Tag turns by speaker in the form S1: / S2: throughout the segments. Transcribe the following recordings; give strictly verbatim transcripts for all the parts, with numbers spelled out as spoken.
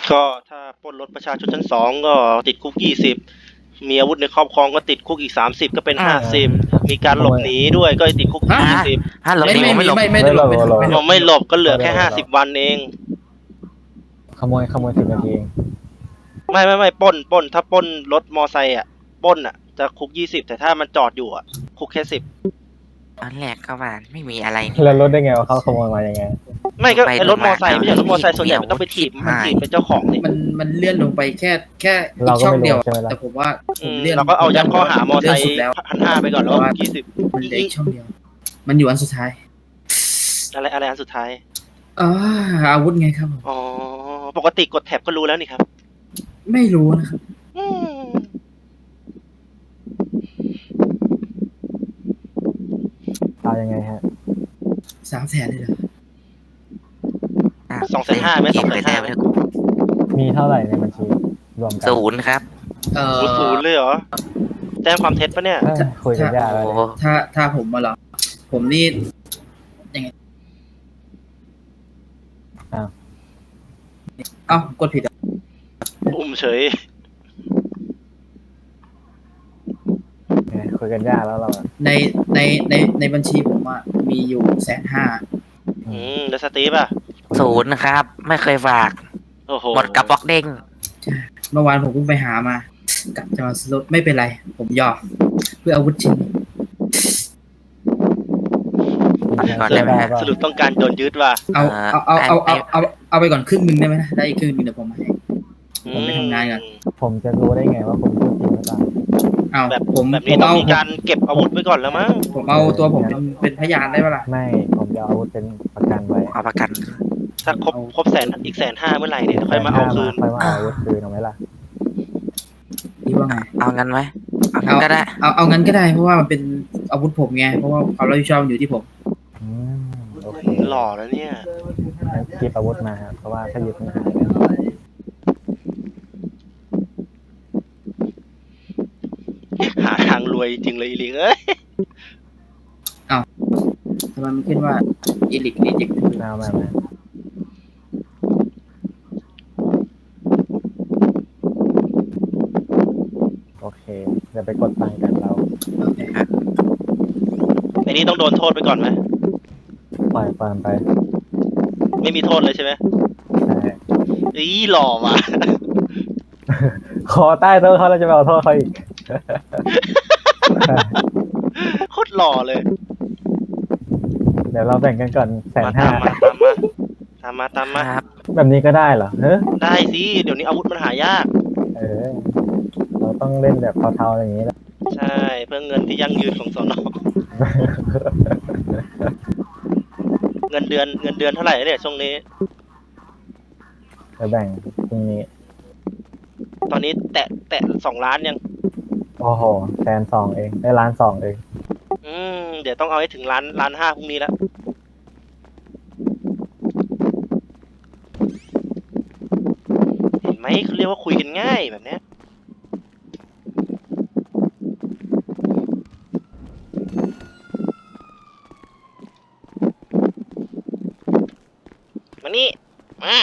S1: ก็ถ้าปล้นรถประชาชนชั้นสองก็ติดคุกยี่สิบมีอาวุธในครอบครองก็ติดคุกอีกสามสิบก็เป็นห้าสิบมีการหลบหนีด้วยก็ติดคุก
S2: ฮะ
S1: ยี่สิบ
S3: ฮะหลบ
S2: ไม่
S3: หนี
S2: ไม่
S3: ผม
S2: ไม่
S3: ไม่หลบ
S2: ไม่ไม่ได้หลบไม่ได้หลบไม่ได้หล
S1: เรา
S2: บ
S1: ไม่หลบก็เหลือแค่ห้าสิบวันเอง
S4: ขโมยขโมยสิบนาทีเอง
S1: ไม่ไม่ไม่ปล้นปล้นถ้าปล้นรถมอไซค์อ่ะปล้นอ่ะจะคุกยี่สิบแต่ถ้ามันจอดอยู่อ่ะคุกแค่สิบ
S3: ตอนแรกเข้ามาไม่มีอะไรนี่
S4: แล้วรถได้ไงว่าเขาขโมยมายังไง
S1: ไม่ก็
S3: ไป
S1: ไอ้รถมอไซค์
S3: มา
S1: ไม่ใช่รถมอไซค์
S3: เอา
S1: ส่วนใหญ่มันต้องไปถีบ
S3: ถีบ
S1: มันถีบ
S3: ให้
S1: เป็นเจ้าของนี่
S2: มันมันเลื่อนลงไปแค่แค่อี
S4: เรา
S2: ก
S4: ก็
S2: ช่อง
S4: ไม่รู้
S2: เดียว
S4: ใช่ไหมล่ะ
S2: แต่ผมว่าผ
S1: อื
S2: ม
S1: ม
S2: เลื่อน
S1: เราก็เอายัดข้อหามอไซค์
S2: เลื่นสุดแล้ว
S1: พันห้าไปก่อนแล้วยี่สิบ
S2: มันเหลืออีกช่องเดียว มันอยู่อันสุดท้าย
S1: อะไรอะไรอันสุดท้าย
S2: อ่าอาวุธไงครับผม
S1: อ๋อปกติกดแท็บก็รู้แล้วนี่ครับ
S2: ไม่รู้นะครับ
S1: อืม
S4: เอายังไงฮะ
S2: สามแสนเลยเหรอ
S3: ะ
S1: สองแสนห้าไหมสองแสนห้าไหม
S4: มีเท่าไหร่ในบัญชีรวมกัน
S3: ศูนย์ครับ
S2: เอ่อ
S1: ศูนย์ศูนย์เลยเหรอแจ้งความเท็จปะเนี่ย
S4: เอ้ยคุยกันยากแล้ว
S3: โอ้
S4: เนี่ย
S2: ถ้าถ้าผมมาเหรอผมนี่ยังไง
S4: อ้าว
S2: เอ้ากดผิดอ่ะ
S1: อุ้มเฉย
S4: ไงคุยกันยากแล้วเราอะ
S2: ในในในในบัญชีผมอ่ะมีอยู่แสนห้า
S1: อืมแล้วสตีฟอ่ะ
S3: ศูนย์ครับ ไม่เคยฝาก
S1: โอ้โห
S3: หมดกระบอกเด้ง
S2: เมื่อวานผมเพิ่งไปหามากลับจะมาซื้อรถไม่เป็นไร ผมยอมเพื่ออาวุธชิ้นนี้
S3: ก่อนได้ไหมฮะ
S1: สรุปต้องการโดนยึดว่ะ
S2: เอาเอาเอาเอาเอาเอาเอาไปก่อนครึ่งหนึ่งได้ไหมนะได้อีกครึ่งหนึ่งเดี๋ยวผมมาให้ ผมไปทำงานก่อน
S4: ผมจะรู้ได้ไงว่าผมพูดจริงหรือเปล่า
S2: เอา
S1: แบบ
S2: ผม
S1: แบบ
S2: ผ
S1: นี้
S2: ม
S1: ต้อง
S2: เอา
S1: มีการเก็บอาวุธไว้ก่อนแล้วมั้ง
S2: ผมเอาตัวผมเป็นเป็นพยานได้ปะล่ะ
S4: ไม่ผมจะเอาอาวุธเป็นประกันไว้
S3: เอาประกัน
S1: ถ้าครบครบแสนอีกแสนห้าเมื่อไหร่เนี่ยค่อยมาเอาคืน
S4: ค่อยมาเอาอาวุธคืนเอาไหมล่ะ
S2: ดีว่าไง
S3: เอางั้นไหมเอางั้นก็ได้
S2: เอาเอางั้นก็ได้เพราะว่ามันเป็นอาวุธผมไงเพราะว่าความรับผิดชอบมันอยู่ที่ผม
S4: อืมโอเค
S1: หล่อแล้วเนี่ย
S4: งั้นคีบอาวุธมาครับเพราะว่าถ้าหยุดมันหายแล้ว
S1: หาทางรวยจริงเลยอีลิงเอ้ย
S2: ทำไมมันขึ้นว่าอีลิกรีเจ็ค
S4: เอามามาโอเคเดี๋ยวไปกดตังค์กันเรา
S2: โอเค
S1: ไอ้นี่ต้องโดนโทษไปก่อนไหม
S4: ปล่อยความไป
S1: ไม่มีโทษเลยใช่ไหม
S4: ใช่
S1: อีหล่อว่ะ
S4: ขอใต้โต๊ะเขาเราจะไปเอาโทษเขาอีก
S1: โคตรหล่อเลย
S4: เดี๋ยวเราแบ่งกันก่อนแสน
S1: มา
S4: ห้า
S1: ตามมาตามมาตามมาตามมา
S3: ครับ
S4: แบบนี้ก็ได้เหรอเฮ้ย
S1: ได้สิเดี๋ยวนี้อาวุธมันหายาก
S4: เออ เราต้องเล่นแบบเทาๆอย่างนี้แหละ
S1: ใช่เพื่อเงินที่ยั่งยืนของสนเงินเดือนเงินเดือนเท่าไหร่เนี่ยช่วงนี้
S4: จะแบ่งพรุ่งนี้
S1: ตอนนี้แตะแตะสองล้านยัง
S4: โอ้โหแสนสองเองได้ล้านสองเอง
S1: อืมเดี๋ยวต้องเอาให้ถึงล้านล้านห้าพรุ่งนี้แล้วเห็นไหมเขาเรียกว่าคุยกันง่ายแบบเนี้ยมานี่มา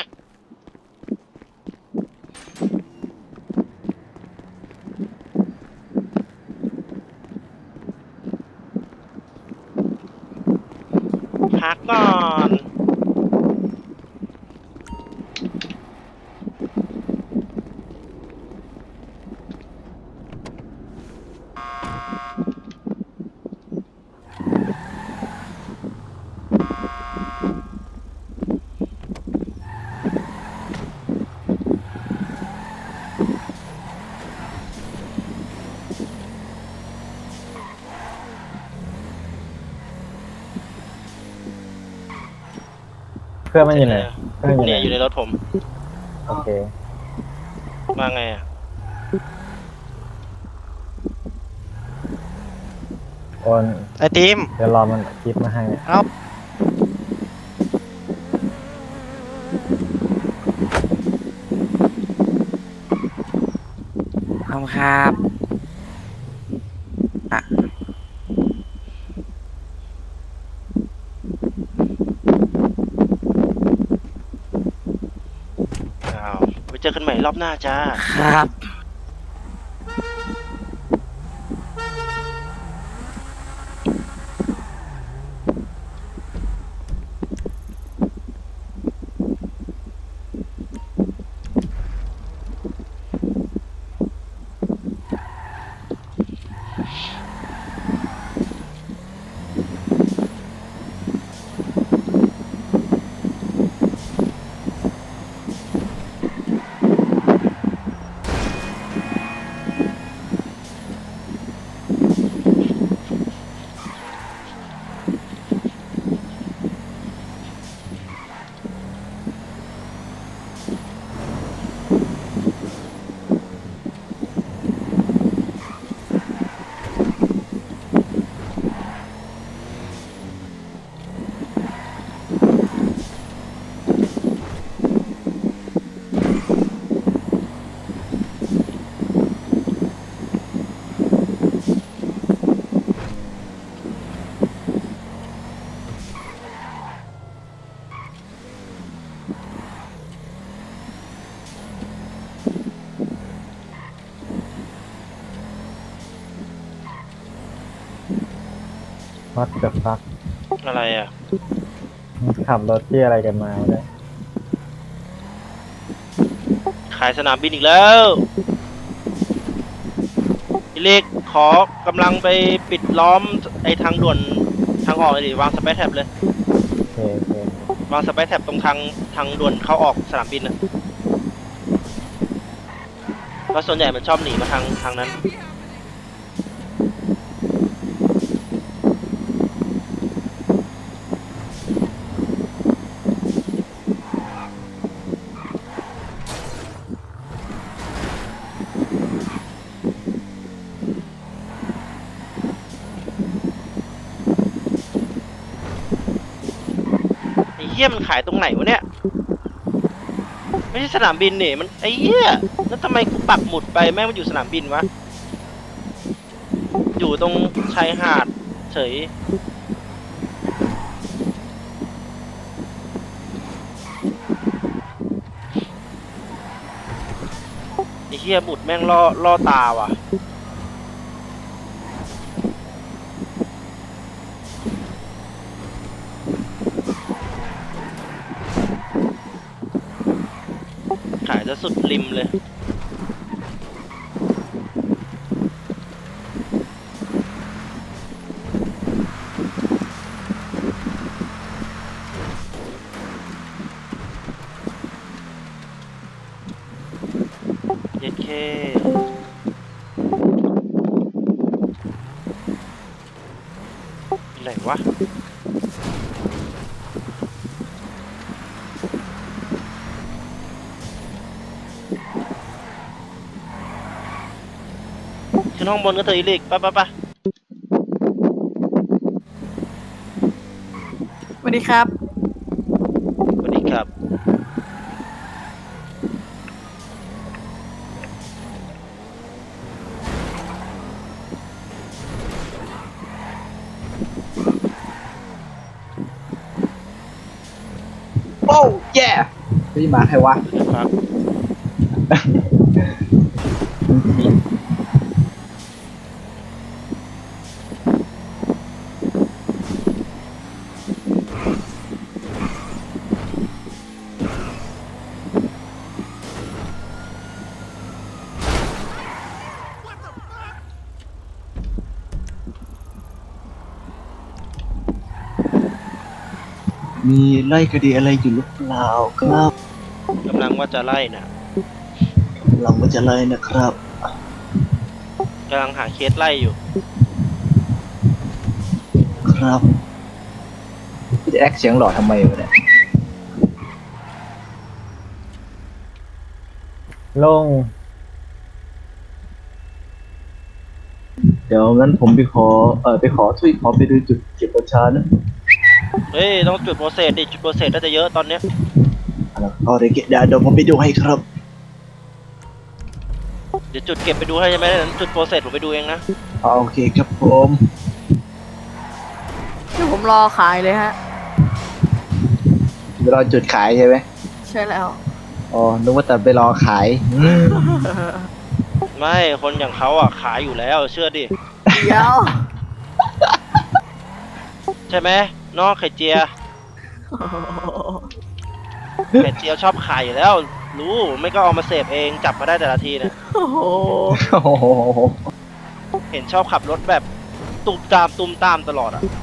S1: พักก่อน
S4: เพื่อนมันอยู่ไหนเพื่อนอยู่ไหน
S1: เนี่ยอยู่ในรถผม
S4: โอเค
S1: มาไงอ่ะ
S4: โอน
S3: ไอติม
S4: เดี๋ยวรอมันคลิปมาให้
S3: ขอบคุณครับอ่ะ
S1: อ้าวไปเจอกันใหม่รอบหน้าจ้า
S3: ครับ
S4: วัดเกือบฟัก
S1: อะไรอ่ะ
S4: ขับรถที่อะไรกันมาเนี่ย
S1: ขายสนามบินอีกแล้วพี่เล็กขอกำลังไปปิดล้อมไอ้ทางด่วนทางออกเลยดิวางสเปซแท็บเลย
S4: โอเคโอเคว
S1: างสเปซแท็บตรงทางทางด่วนเข้าออกสนามบินนะเพราะส่วนใหญ่มันชอบหนีมาทางทางนั้น ไอ้เหี้ยมันขายตรงไหนวะเนี่ย ไม่ใช่สนามบินนี่มันไอ้เหี้ยแล้วทำไมกูปักหมุดไปแม่งมันอยู่สนามบินวะ อยู่ตรงชายหาดเฉยไอ้เหี้ยหมุดแม่งล่อล่อตาว่ะ ขายจะสุดริมเลย เย็ดเคอะไรวะ ขึ้นห้องบนก็เถอะอีลิกไปไปไป
S5: สวัสดีครับ
S1: สวัสดีครับ
S2: โอ้แย่พี่มาใครวะ
S1: ครับ
S6: มีไล่คดีอะไรอยู่หรือเปล่าครับ
S1: กำลังว่าจะไล่น่ะ
S6: เราก็จะไล่นะครับ
S1: กำลังหาเคสไล่อยู่
S6: ครับ
S2: พี่จะแอคเสียงหล่อทำไมวะเนี่ย
S4: ลง
S6: เดี๋ยวงั้นผมไปขอเออไปขอทุยขอไปดูจุดเก็บประชานะ
S1: เฮ้ย ต้องจุดโปรเซสดิจุดโปรเซสน่าจะเยอะตอนเนี้ย
S6: แล้วก็เดี๋ยวเก็บเดี๋ยวผมไปดูให้ครับ
S1: เดี๋ยวจุดเก็บไปดูให้ใช่ไหมนั้นจุดโปรเซสผมไปดูเองนะ
S6: โอเคครับผม
S5: เดี๋ยวผมรอขายเลยฮะ
S6: เดี๋ยวเราจุดขายใช่ไหม
S5: ใช่แล้ว
S6: อ๋อนึกว่าแต่ไปรอขายอืม
S1: ไม่คนอย่างเขาอ่ะขายอยู่แล้วเชื่อดิ
S5: เดี๋ยว
S1: ใช่ไหมเนาะไข่เจียไข่เจียวชอบขายอยู่แล้ว รู้ไม่ก็เอามาเสพเองจับมาได้แต่ละทีเนี่ย
S5: โอ้โห
S6: โอ้โห
S1: เห็นชอบขับรถแบบตุมตามตุมตามตลอดอ่ะ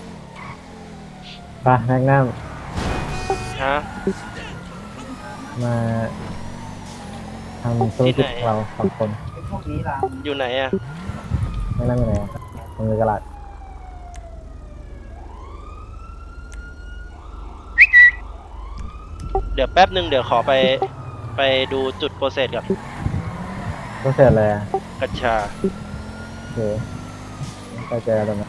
S4: ไปแม็กนัม
S1: ฮะ
S4: มาทำธุรกิจของเราสองคน
S2: พวกนี้ล่ะ
S1: อยู่ไหนอ่ะ
S4: แม็กนัมอยู่ไหนอะตรงกระดาษ
S1: เดี๋ยวแป๊บหนึ่งเดี๋ยวขอไปไปดูจุดโปรเซสก่อน
S4: ก็เสร็จเลยอะ
S1: กัญชา
S4: โอเคไปเจอกันตรงนั้น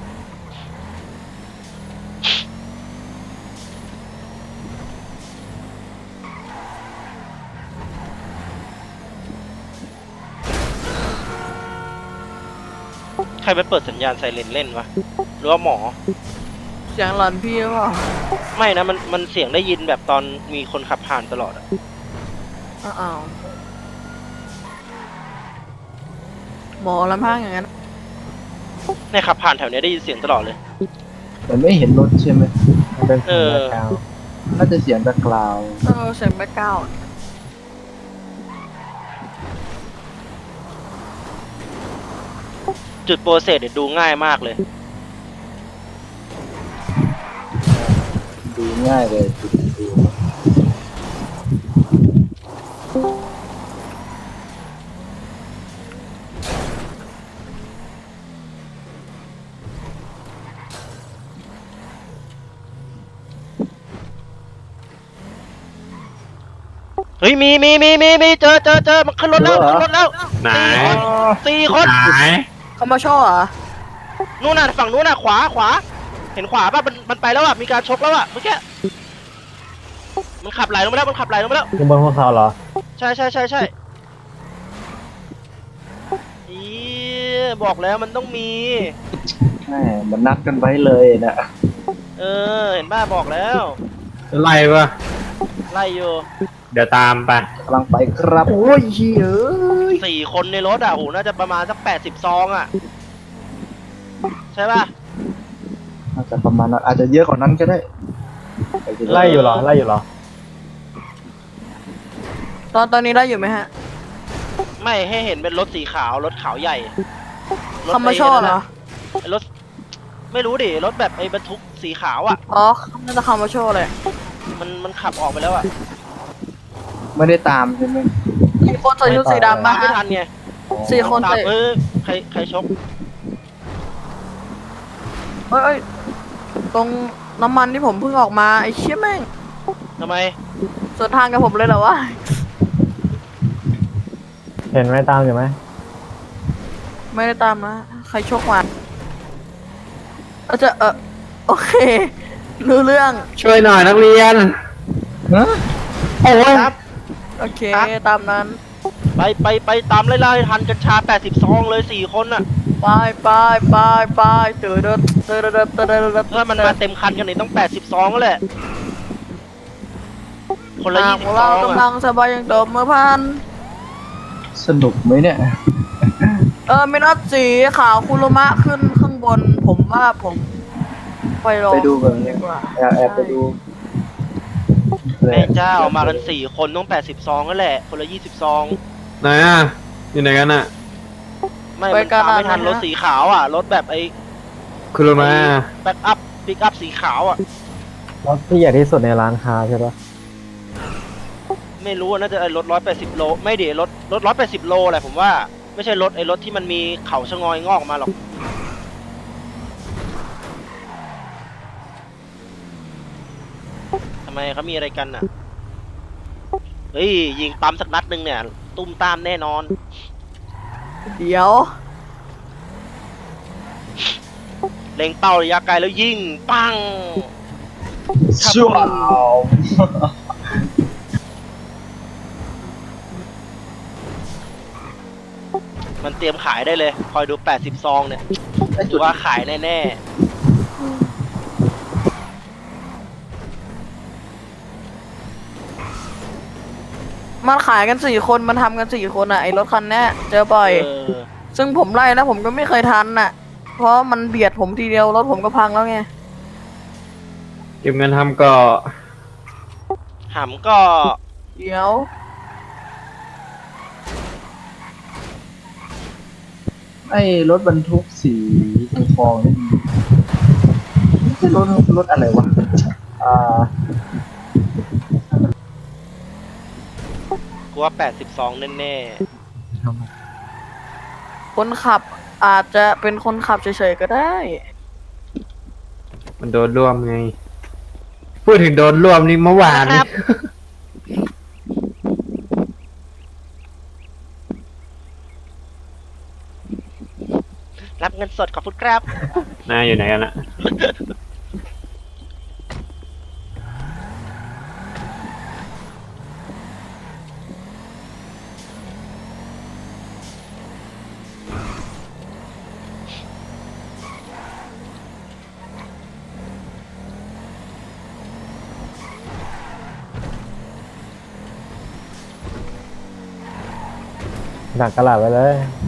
S1: ใครไปเปิดสัญญาณไซเรนเล่นวะหรือว่าหมอ
S5: เสียงหลอนพี่หรือเปล่า
S1: ไม่นะมันมันเสียงได้ยินแบบตอนมีคนขับผ่านตลอดอะ
S5: อ้าวหมอลำพังอย่างนั้น
S1: ในขับผ่านแถวเนี้ยได้ยินเสียงตลอดเลย
S6: แต่ไม่เห็นรถใช่ไหม
S4: มันเป็น
S1: เอ
S4: สี
S1: อ
S4: แบ็คกราวด์
S6: น่าจะเสียงแบ็คกราวด์
S5: เออเสียงแม่ก้าว
S1: จุดโปรเซสเนี่ยดูง่ายมากเลย
S6: ดูง่ายเลยดูดู
S1: เฮ้ยมีมีมีมีมีเจอเจอเจอมันขึ้นรถแล้วขึ้นรถแล้ว
S7: ไหน
S1: สี่คน
S7: ไหน
S5: เขามาโชว์เหรอ
S1: นู่นน่ะฝั่งนู้นน่ะขวาขวา เห็นขวาป่ะมันมันไปแล้วอ่ะมีการชกแล้วอ่ะเมื่อกี้มันขับไหลลงไปแล้วมันขับไหลลงไปแล้ว
S4: ขึ้นบนภูเขาเหรอ
S1: ใช่ใช่ใช่ใช่อีบอกแล้วมันต้องมี
S6: แหมมันนัดกันไว้เลยนะ
S1: เออเห็นบ้าบอกแล้ว
S7: ไล่ปะ
S1: ไล่อยู่
S7: เดี๋ยวตามไป
S6: กำลังไปครับโอ้ยเฮ้ย
S1: สี่คนในรถอ่ะโหน่าจะประมาณสักแปดสิบซองอ่ะ ใช่ป่ะ
S6: อาจจะประมาณนั้นอาจจะเยอะกว่านั้นก็ได้
S4: ไล่อยู่เหรอ ไล่อยู่เหรอ
S5: ตอนตอนนี้ได้อยู่ไหมฮะ
S1: ไม่ให้เห็นเป็นรถสีขาวรถขาวใหญ่รถ
S5: เขามาโชว์เหรอ
S1: ไอ้รถไม่รู้ดิรถแบบไอ้บรรทุกสีขาวอ่ะ
S5: อ๋อน่าจะเขามาโชว์เลย
S1: มันมันขับออกไปแล้วอ่ะ
S6: ไม่ได้ตามใช่ไหม
S5: มีคนใส่ชุดสีดำ
S1: ตา
S5: มา
S1: มไม่ทันไง
S5: สี่คน
S1: ตาม
S5: เตะ
S1: เออใครใครชก
S5: เฮ้ยเอ้ยตรงน้ำมันที่ผมเพิ่งออกมาไอ้เชี่ยแม่ง
S1: ทำไม
S5: สวนทางกับผมเลยเหรอวะ
S4: เห็นไหมตามอยู่ไหม
S5: ไม่ได้ตามนะใครโชคมาเอาจะเออโอเค รู้เรื่อง
S7: ช่วยหน่อยนักเรียน
S6: ฮะ
S7: โอ้ย
S1: ครับ
S5: โอเค ตามนั้น
S1: ไปไปไปตามไล่ไล่ทันกัญชาแปดสิบซองเลยสี่คนอ่ะ
S5: ไปไปไปไปเตือนเตือนเตือนเตือนเตือนเตือนเตือน
S1: ถ้ามันมาเต็มคันกันนี่ต้องแปดสิบซองก็แหละ คนละยี่สิบซ
S5: เรา
S1: อง
S5: กำลั
S1: อ่ะ
S5: งสบายอย่างเดิมเมื่อพัน
S6: สนุกไหมเนี่ย
S5: เออไม่นัดสีขาวคุรุมะขึ้นข้างบน ผมว่าผม ไปลอง
S6: ไปดูกัน
S5: ดีกว่า
S6: แอบแอบไปดู
S1: แม่เจ้ามากันสี่คนต้องแปดสิบซองก็แหละ คนละยี่สิบซอง
S7: ไหนอ่ะ อยู่ไหนกันอ่ะ
S1: ไม่มันตามไม่ทันรถสีขาวอ่ะ รถแบบไอ้
S7: คุณรู้ไหม
S1: แบ็กอัพปิกอัพสีขาวอ่ะ
S4: รถที่ใหญ่ที่สุดในร้านค้าใช่ปะ
S1: ไม่รู้อะน่าจะไอ้รถร้อยแปดสิบโล ไม่ดิรถรถร้อยแปดสิบโลแหละผมว่า ไม่ใช่รถไอ้รถที่มันมีเขาชะงอยงอกออกมาหรอก ทำไมเขามีอะไรกันอ่ะ เฮ้ย ยิงปั๊มสักนัดหนึ่งเนี่ย ตุ้มตามแน่นอน
S5: เดี๋ยว
S1: เล็งเป้าระยะไกลแล้วยิง ปัง
S6: ชั่ว
S1: มันเตรียมขายได้เลย คอยดูแปดสิบซองเนี่ยถือว่าขายแน่ๆ
S5: มันขายกันสี่คนมันทำกันสี่คนอ่ะไอ้รถคันเนี้ยเจอบ่อย
S1: เออ
S5: ซึ่งผมไล่แล้วผมก็ไม่เคยทันน่ะ เพราะมันเบียดผมทีเดียวรถผมก็พังแล้วไง
S7: เก็บเงินทำก็
S1: หำก็
S5: เดี๋ยว
S6: ไอ้รถบรรทุกสีทองทองนี่ไม่ใช่รถรถอะไรวะอ่า
S1: กูว่าแปดสิบสองแน่
S5: คนขับอาจจะเป็นคนขับเฉยๆก็ได้
S7: มันโดนร่วมไง พูดถึงโดนร่วมนี่เมื่อวานนี่
S1: ๆ รับเงินสดขอบคุณครับ
S7: นายอยู่ไหนกันอะ
S4: ดักกระหล่ำไว้เลย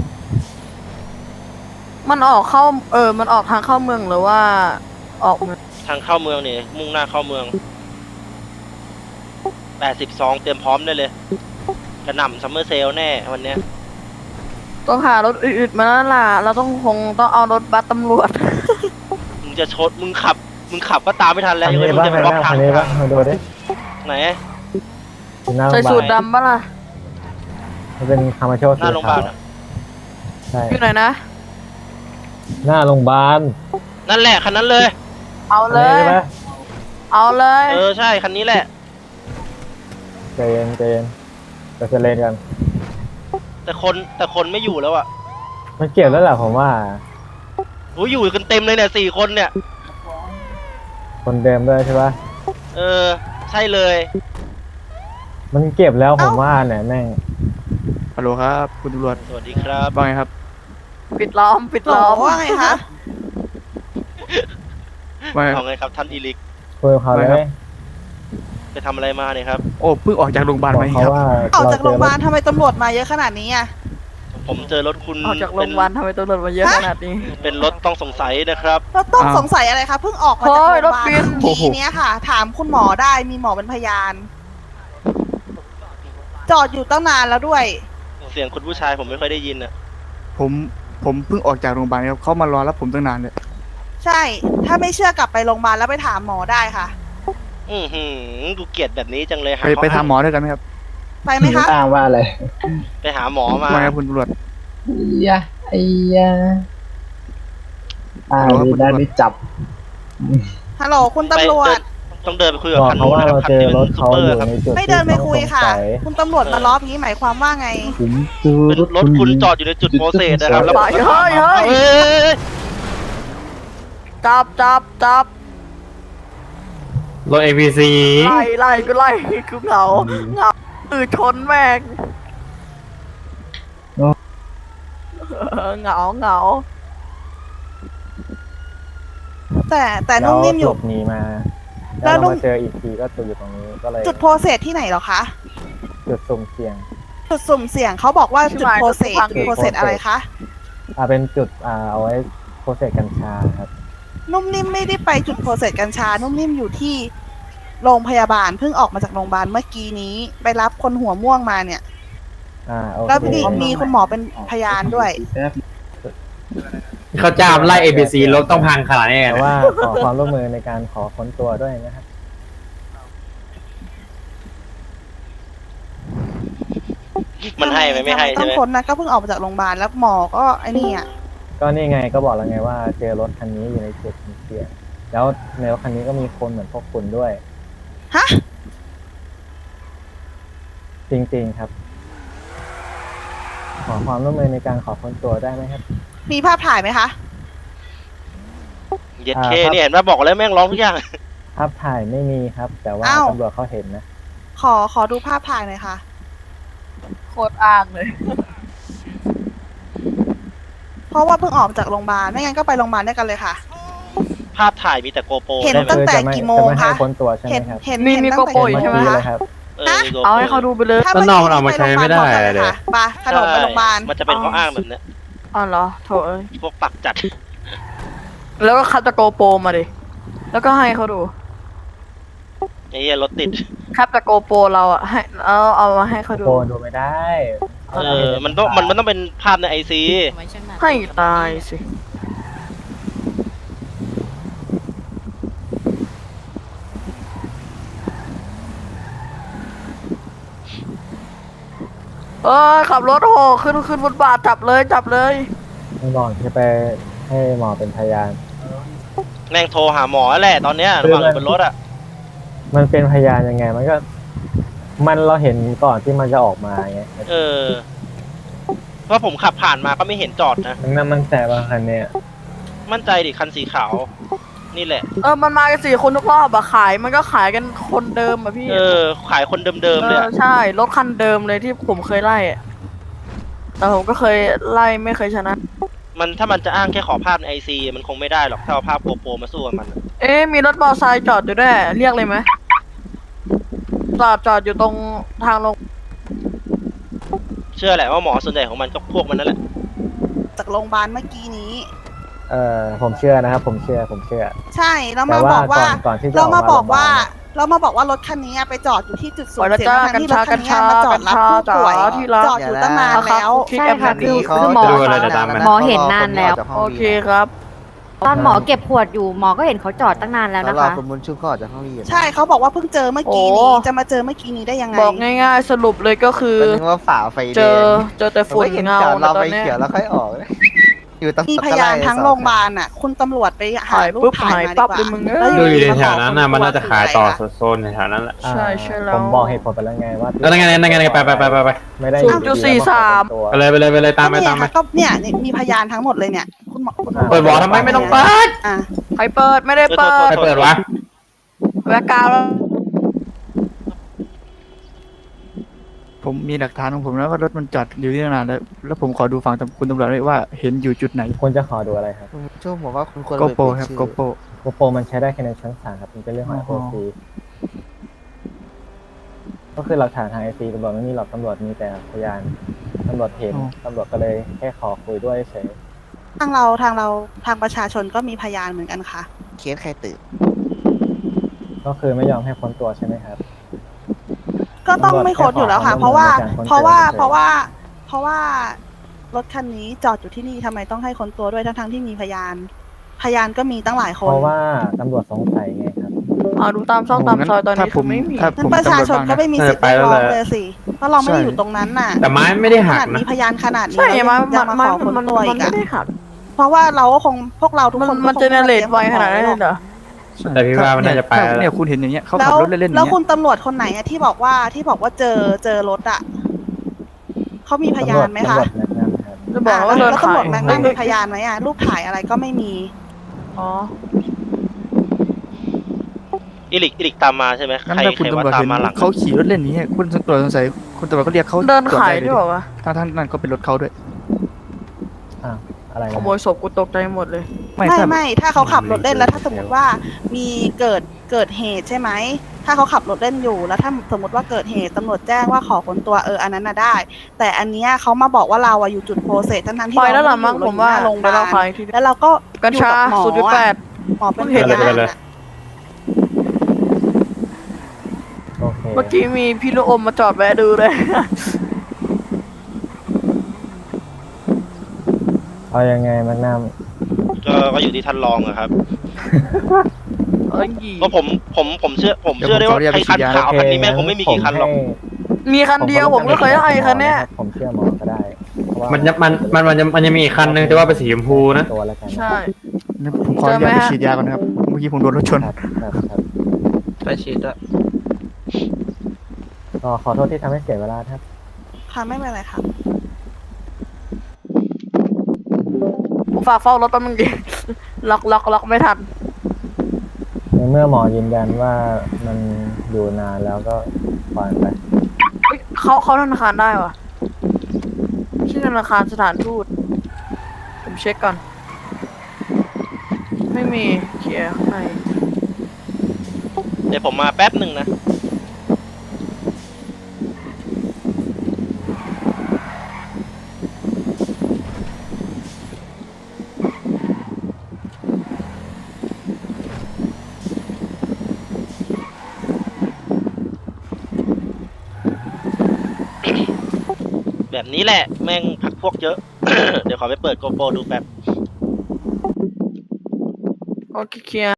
S5: มันออกเข้า เออ มันออกทางเข้าเมืองหรือว่าออกเมือง
S1: ทางเข้าเมืองนี่มุ่งหน้าเข้าเมืองแปดสิบสองเตรียมพร้อมได้เลยกระหน่ำซัมเมอร์เซลแน่วันเนี้ย
S5: ต้องหารถอื่นๆมาแล้วล่ะ เราต้องคงต้องเอารถบัสตำรวจ
S1: มึงจะชดมึงขับ มึงขับก็ตามไม่ทันแล้ว
S4: คัน
S1: ยัง
S4: นี้
S1: ไม่รู้
S4: บ้าง
S1: จะไปบล็อกทา
S4: คั
S1: ง
S4: นนี้บ้างมาดูดิ
S1: ไหน
S4: อยู่หน้าโร
S5: ใส่
S4: งพยา
S5: สู
S4: บา
S5: ตร
S4: ล
S5: ดำปะล่ะ
S4: มันเป็นคามาโช
S1: ห
S4: สี
S1: น้าโรงพยาบา
S4: ขา
S1: ล
S4: ว
S1: อะ
S4: ใช่
S5: อยู่ไหนนะ
S4: หน้าโรงพยาบาล
S1: นั่นแหละคันนั้นเลย
S5: เอา
S4: อัน
S5: เล
S4: นี้
S5: ย
S4: ใช่ไหม
S5: เอาเลย
S1: เออใช่คันนี้แหละ
S4: ใจเย็นใจเย็นไปเซเลนกัน
S1: แต่คนแต่คนไม่อยู่แล้วอ่ะ
S4: มันเก็บแล้วแหละผมว่า
S1: โอ้ยอยู่กันเต็มเลยเนี่ยสี่คนเนี่ย
S4: คนเดิมด้วยใช่ปะ
S1: เออ ใช่เลย
S4: มันเก็บแล้วผมว่าเนี่ยแม่ง
S8: ฮัลโหลครับคุณตำรวจ
S1: สวัสดีครับ
S8: ว่าไงครับ
S5: ปิดล้อม ปิดล้อม
S9: ว่าไงคะ
S8: ว่าไง
S1: เอาไงครับท่านอีลิก
S4: คุยกับเขาเล
S8: ไม่ครับ
S4: ย
S1: ไปทำอะไรมาเนี่ยครับ
S8: โอ้เพิ่งออกจากโรงพยาบาล
S4: บอก
S8: มาเอง
S4: เขา
S8: ครับ
S4: ว่า
S9: ออกจากโรงพยาบาล
S4: เจอ
S9: ทำไมตำรวจมาเยอะขนาดนี้อ่ะ
S1: ผมเจอรถคุณ
S5: ออกจากโรงพยาบาลทำไมตำรวจมาเยอะขนาดนี้
S1: เป็นเป็นรถต้องสงสัยนะครับ
S9: เราต้องสงสัยอะไรคะเพิ่งออกมาจาก
S5: โอ้
S9: โรงพ
S5: ย
S9: ยาบาล
S5: รถบิน
S9: ทีเนี้ยค่ะ ถามคุณหมอได้มีหมอเป็นพยาน จอดอยู่ตั้งนานแล้วด้วย
S1: เสียงคุณผู้ชายผมไม่ค่อยได้ยินอ่ะ
S8: ผมผมเพิ่งออกจากโรงพยาบาลครับเขามารอรับผมตั้งนานเลย
S9: ใช่ ถ้าไม่เชื่อกลับไปโรงพยาบาลแล้วไปถามหมอได้ค่ะ
S1: อือหือกูเกลียดแบบนี้จังเลยหา
S8: ไปไป
S1: ข้
S8: ทำหมอด้วยกันไหมครับ
S9: ไปไหมคะ
S6: อ้างว่าอะไร
S1: ไปหาหมอมา
S8: ว่าไงครับคุณตำรวจ
S6: ยะไอ้ยะอ่า
S8: ฮัลโหลครับ
S6: ดี
S8: คุณ
S6: ได้
S8: ตำรวจ
S6: ไม่จับ
S9: ฮัลโหลคุณตำรวจ
S1: ต้องเดินไปคุยกับ
S4: บอก
S1: คัน
S4: เขา
S1: นู้น
S4: ว่า
S1: นะครับ
S4: เรา
S1: คัน
S4: เจอ
S1: ที่เป็น
S4: รถ
S1: ซู
S4: เขา
S1: เปอ
S4: อ
S1: ร์
S4: ยู่
S1: ครับ
S4: ในจุด
S9: ไม่เดินไปคุยค่ะ
S4: ที่ต้องสงสัย
S9: คุณตำรวจมาล้อมอย่างนี้หมายความว่าไง
S6: ผมเจอ
S1: เป็นรถคุณจอดอยู่ในจุดโปรเซสนะครับแล้ว
S5: ไปเฮ้ยเฮ้ย
S1: เอ้ย
S5: จับจับจับ
S7: รถ เอ พี ซี
S5: ไล่ไล่ก็ไล่คือเหงาเหงาตื่นชนแม่งเออเหงาเหงา
S9: แต่แต่
S4: แล้
S9: นุ่
S4: ว
S9: มนิ่มอ
S4: หล
S9: ยู่
S4: บหนีมา
S9: แล้
S4: แล้ว ว
S9: นุ่
S4: เรา
S9: ม
S4: มาเจออีกทีก็ตัวอยู่ตรงนี้ก็เลย
S9: จุดโพรเซสที่ไหนเหรอคะ
S4: จุดสุ่มเสี่ยง
S9: จุดสุ่มเสี่ยงเขาบอกว่าจุดโพรเซสจุดโพรเซสอะไรคะ
S4: อ่าเป็นจุดอ่าเอาไว้โปรเซสกัญชาครับ
S9: นุ่มนิ่มไม่ได้ไปจุดโพรเซสกัญชา นุ่มนิ่มอยู่ที่โรงพยาบาลเพิ่งออกมาจากโรงพยาบาลเมื่อกี้นี้ ไปรับคนหัวม่วงมาเนี่ย
S4: อ่าโอ
S9: แล้ว
S4: เค
S9: มีมีคุณหมอเป็นพยานด้วย
S6: แป๊บ
S7: เขาจ้ามไล่ เอ พี ซี รถต้องพังขนาดนี้
S4: แต่
S7: นะ
S4: ว่าขอความร่วมมือในการขอค้นตัวด้วยนะครับ
S1: มันให้ไหมไม่ให้
S9: ต้
S1: ใช่
S9: อง
S1: ไหม
S9: ค้นนะก็เพิ่งออกมาจากโรงพยาบาลแล้วหมอก็ไอ้นี่อ่ะ
S4: ก็นี่ไงก็บอกแล้วไงว่าเจอรถคันนี้อยู่ในจุดสุ่มเสี่ยงแล้วในรถคันนี้ก็มีคนเหมือนพวกคุณด้วย
S9: ฮะ
S4: จริงๆครับ ขอความร่วมมือในการขอค้นตัวได้ไหมครับ
S9: มีภาพถ่ายไหมคะ
S1: เย็ดเค
S4: อ่าครับ
S1: เนี่ยเห็นไหมบอกแล้วแม่งร้องทุกอย่าง
S4: ภาพถ่ายไม่มีครับ แต่ว่า
S9: อ้าว
S4: ตำรวจเขาเห็นนะ
S9: ขอขอดูภาพถ่ายหน่อยค่ะ
S5: โคตรอ้างเลย
S9: เพราะว่าเพิ่งออกจากโรงพยาบาลไม่งั้นก็ไปโรงพยาบาลด้วยกันเลยค่ะ
S1: ภาพถ่ายมีแต่โกโปร
S9: เห็น
S1: ใช่ไหม
S9: ตั้งแต่
S4: จะไม่
S9: กี่โมง
S4: จะไม่ให้
S9: คะ
S4: ค้นตัวใช่ไหม
S9: เห็น
S4: ครับ
S9: เห็น
S5: นี่
S9: เห็น
S5: นี่
S9: ตั้ง
S5: ก็
S9: แต่
S5: โปรย
S9: กี่
S4: เมื่อ
S9: โมง
S4: กี้
S9: คะ
S4: เลยครับ
S1: เออมี GoPro
S5: เอาให้เขาดูไปเลย
S9: ถ้า
S7: ด้านนอกมันเอามาใช้ไม่ได้
S9: เล
S7: เลย ย
S9: ไปขนมไปโรงพยาบาล
S1: มันจะเป็นข้ออ้างแบบเนี้ย
S5: อ๋อเหรอโถเอ้ย
S1: พวกปักจัด
S5: แล้วก็คัดตะโกโปรมาดิ แล้วก็ให้เขาดู
S1: ไอ้เหี้ยรถติด
S5: ครับตะโกโปรเราอะให้เอาเอามาให้เขาดู
S4: โกนดูไม่ได้
S1: เออ มันต้องมันมันต้องเป็นภาพในไอซี
S5: ให้ตายสิ เออขับรถโหขึ้นขึ้นบนบาทจับเลยจับเลย
S4: ไม่บอกที่ไปให้หมอเป็นพยาน
S1: แม่งโทรหาหมอแหละตอนเนี้ยระหว่างอยู่บนรถอ่ะ
S4: มันเป็นพยานยังไง มันก็ มันเราเห็นก่อนที่มันจะออกมาไง
S1: เออ เพราะผมขับผ่านมาก็ไม่เห็นจอดนะ
S4: มันน่ามันแต่บางคันเนี่ย
S1: มั่นใจดิคันสีขาว นี่แหละ
S5: เออมันมากันสี่คนทุกรอบอะขายมันก็ขายกันคนเดิมอะพี่
S1: เออ ขายคนเดิมๆเลย
S5: เอ
S1: อะ
S5: อใช่รถคันเดิมเลยที่ผมเคยไล่อะแต่ผมก็เคยไล่ไม่เคยชนะ
S1: มันถ้ามันจะอ้างแค่ขอภาพในไอซีมันคงไม่ได้หรอกถ้าเอาภาพโกโปรมาสู้กับมันอะ
S5: เอ๊ะมีรถมอเตอร์ไซค์จอดอยู่ด้วยเรียกเลยไหมจอดจอดอยู่ตรงทางลง
S1: เชื่อแหละว่าหมอส่วนใหญ่ของมันก็พวกมันนั่นแหละ
S9: จากโรงพยาบาลเมื่อกี้นี้
S4: เออผมเชื่อนะครับ ผมเชื่อ ผมเชื่อ
S9: ใช่แล้ว
S4: แต่
S9: มา
S4: ว่า
S9: บอกว่า
S4: ก่อนก่อนที่จะ
S9: เรามา
S4: ออกมา
S9: บอกว่า
S4: โรงพยาบาล
S9: เรามาบอกว่ารถคันนี้ไปจอดอยู่ที่จุดสู
S5: ปล่อย
S9: ง
S5: แล้ว
S9: เสีย
S5: จ้าง
S9: ทั้งที่รถคันนี้
S5: กัญชา
S9: มาจอดรับผู้ป่วย
S5: กัญชาที่รัก
S9: จอดอยู่ตั้งนานแล้ว
S5: ที่
S10: ใช่
S5: แอป
S10: ค่ะ
S5: นี้
S10: คือคือหมอ
S7: ดูอะไรแต่ตามมัน
S10: หมอเห็นนานแล้ว
S5: โอเคครับ
S10: ตอนหมอเก็บขวดอยู่หมอก็เห็นเขาจอดตั้งนานแล้วนะคะ
S8: คุณบุญชุบก็ออกจากห้องนี้
S9: ใช่เขาบอกว่าเพิ่งเจอเมื่อกี้
S5: โอ้
S9: นี้จะมาเจอเมื่อกี้นี้ได้ยังไง
S5: บอกง่ายๆสรุปเลยก็คือ
S8: เป็นว่าฝ่าไฟแดง
S5: เจอเจอแต่ฝุ่นเงา
S8: เรา
S5: แล้วตอ
S8: ไฟ
S5: นเนี้ย
S8: เขียวแล้วค่อยออกเลยอยู่ตั้ง
S9: มีพยานทั้งโรงพยาบาลอ่ะ คุณตำรวจไปหา
S5: ถ่าย
S9: รู
S5: ปุ๊
S9: ป
S5: บ
S9: ถ่าย
S5: หาย
S9: มา
S5: ปั๊บ
S9: ดี
S5: เลย
S9: ก
S5: มึง
S9: ว่า
S5: เอ้ย
S7: ดูอยู่ใน
S9: มา
S7: แถ
S9: บ
S7: ว
S9: ก
S7: นั้นน่ะมันน่าจะขายต่อ
S9: คืออะไรอะ
S7: โซนในแถวนั้นแหละ
S4: อ่า
S5: ใช่ใช่แล้ว
S4: ผมบอกเหตุผลไปแล้วไงว่า
S7: แล้วนั่นไงนั่นไงนั่นไงไปไปไปไปไป
S4: ไม่ได้
S5: ศูนย์จุดสี่สาม
S4: ตัว
S7: ไปเลยไปเลยไปเลยตามไป
S9: ก็
S7: ตาม
S9: เนี่ย
S7: ไป
S9: ค่ะก็เนี่ยนี่มีพยานทั้งหมดเลยเนี่ย คุณหมอคุณตำรวจ
S7: เปิดวอลทำไมไม่ต้องเปิด
S9: อ่ะ
S5: ใครเปิดไม่ได้เปิด
S7: ใครเปิดวะ
S5: แวกกาวแล้ว
S8: ผมมีหลักฐานของผมแล้วว่ารถมันจอดอยู่ที่นานแล้วแล้วผมขอดูฝั่งคุณตำรวจด้วยว่าเห็นอยู่จุดไหน
S4: คุณจะขอดูอะไรครับ
S8: ช่วงผมว่าคุณควรโกโปรครับโกโปร
S4: โกโปรมันใช้ได้แค่ในชั้นศาลครับมันเป็นเรื่องของ
S8: อ๋อ
S4: โอซีก็คือหลักฐานทางไอซีตำรวจไม่มีหรอกตำรวจมีแต่พยานตำรวจเห็นตำรวจก็เลยแค่ขอคุยด้วยเฉย
S9: ทางเราทางเราทางประชาชนก็มีพยานเหมือนกันค่ะ
S8: เคสใครตื่น
S4: ก็คือไม่ยอมให้ค้นตัวใช่ไหมครับ
S9: ก็ต้องไม่ค้นอยู่แล้วค่ะ
S4: ตำรวจ
S9: เพราะว่า
S4: แค่ขอ
S9: เพราะว่า
S4: ความร่วมมือ
S9: เพราะว่า เพราะว่ารถคันนี้จอดอยู่ที่นี่ทำไมต้องให้ค้นตัวด้วยทั้งทั้งๆที่มีพยาน พยานก็มีตั้งหลายค
S4: เพ
S9: น
S4: ราะว่าตำรวจสงสัยไงครับ
S5: อ่าดูตามช่องตามซอยตอนนี้คือไม่มี
S8: ถ้า
S9: นั้
S8: ผม
S9: นประชาชน
S8: ตำรวจบ้ง
S9: ก็ไม่มีสิทธิ์
S7: เออไป
S9: เรียก
S7: แล้ว
S9: ร้อง
S7: แหละ
S9: เลยสิ เพราะเราไม่ได้
S8: ใช่
S9: อยู่ตรงนั้นน่ะ
S7: แต่ไม้ไม่ได้หั
S9: ข
S7: ก
S9: นาด
S7: นะ
S9: มีพยานขนาดนี้
S5: ใช่
S9: เรา
S5: มา
S9: จะ
S5: มา
S9: มา
S5: มา
S9: ขอค้น
S5: มัน
S9: ตัว
S5: มั
S9: อี
S5: น
S9: ก
S5: ไม่
S9: อะ
S5: ได้หัก
S9: เพราะว่าเราก็คงพวกเราทุก
S5: มัน
S9: คน
S5: มัน
S9: ก็คง
S5: เจเนเรตไวขนาดนั้นเลยเหรอ
S7: แต่พี่ว่ามันน่าจะไปแล้ว
S8: เนี่ยคุณเห็นอย่างเงี้ยเขา
S9: แล้
S8: ขับ
S9: ว
S8: รถเล่นๆอ
S9: แล้
S8: ย่าว ง
S9: คุ
S8: เงี้
S9: ณ
S8: ย
S9: ตำรวจคนไหนอะที่บอกว่าที่บอกว่าเจอเจอรถอะเขามีพยานไหมคะ
S4: ตำรวจแนะนำครับ
S5: จะบอกว่า
S9: อ่ะ
S5: เดิน
S9: แล้ว
S5: ขา
S9: ตำร
S5: ยว
S9: จแม็กนัมมีพยานไหมอะรูปถ่ายอะไรก็ไม่มี
S5: อ๋อ
S1: อิลิกอิลิกตามมาใช่ไหม
S8: งั้น
S1: ใคร
S8: ถ้า
S1: ใค
S8: คุณ
S1: รว่า
S8: ตำรวจ
S1: ตาม
S8: เห็น
S1: มาหลัง
S8: เขาขี่รถเล่นอย่างเงี้ยคุณตำรวจสงสัยคุณตำรวจก็เรียกเขา
S5: เดินขาย
S8: ตรวจ
S5: ด้วยเหรอวะ
S8: ทั้งทั้งนั้นก็เป็นรถเขาด้วย
S4: อ่ะอะไร
S5: ข
S4: นะ
S5: โมยศพกูตกใจหมดเลย
S8: ไม่
S9: ไม่
S8: ถ้า
S9: ไม่ถ้าเขาขับรถเล่นแล้วถ้าสมมติว่ามีเกิดเกิดเหตุใช่ไหมถ้าเขาขับรถเล่นอยู่แล้วถ้าสมมติว่าเกิดเหตุตำรวจแจ้งว่าขอค้นตัวเอออันนั้นน่ะได้ แต่อันเนี้ยเขามาบอกว่าเราอะอยู่จุดโปรเซสทั้งๆที่
S5: ปล่อยแล้ว
S9: เรา
S5: ล่ะมั้ง
S9: ไได้
S5: ผมว่า
S9: อยู่โรงพ
S5: เดี๋ย
S9: ยาว บา
S5: เราขาย
S9: ล
S5: ทีเดียว
S9: แล้วเราก็
S5: กัญชา
S9: อยู่บหมอ
S5: ศูนย์จุดแปด
S9: หมอเป็น
S5: เห็
S9: พ
S5: น
S9: ยา
S7: ไป
S9: น
S7: เลย
S9: อะ
S4: โอเค
S5: เมื่อกี้มีพี่ลูกอมมาจอดแวะดูเลย
S4: เอายังไงแม็กนัม
S1: ก็ก็อยู่ที่ท่านรองอะครับ
S5: เอ้ย
S1: ก็ผมผมผมเชื่อผมเชื่อได้ว่าใครคันขาวคันนี้แม่งคงไม่มีกี่คันหรอก
S5: มีคันเดียวผมก็เคยให้คันเนี้ย
S4: ผมเชื่อหมอก็ได้เพราะว่า
S7: มันจะมันมันมันจะมันจะมีอีกคันนึงแต่ว่าเป็นสีชมพูนะ
S4: ตัวแล้วกัน
S5: ใช่
S8: ผมขออนุญาต
S5: เจอไหม
S8: ไป
S5: ฮะ
S8: ฉีดยาก่อนนะครับเมื่อกี้ผมโดนรถชน
S4: ครับครับครับ
S1: ไปฉีดอะ
S4: ก็ขอโทษที่ทำให้เสียเวลาครับ
S9: ค่ะไม่เป็นไรค่ะ
S5: ผมฝากเฝ้ารถแป๊บนึงดิ ล็อกล็อกล็อกไม่ทัน
S4: ในเมื่อหมอยืนยันว่ามันอยู่นานแล้วก็ปล่อยมันไป
S5: เฮ้ยเขาเขาธนาคารได้วะชื่อธนาคารสถานทูต ผมเช็คก่อน ไม่มีเคลียร์ข้างใน
S1: เดี๋ยวผมมาแป๊บหนึ่งนะแบบนี้แหละแม่งพักพวกเยอะ เดี๋ยวขอไปเปิดโกโปรดูแป๊บ
S5: โอเคเคลียร์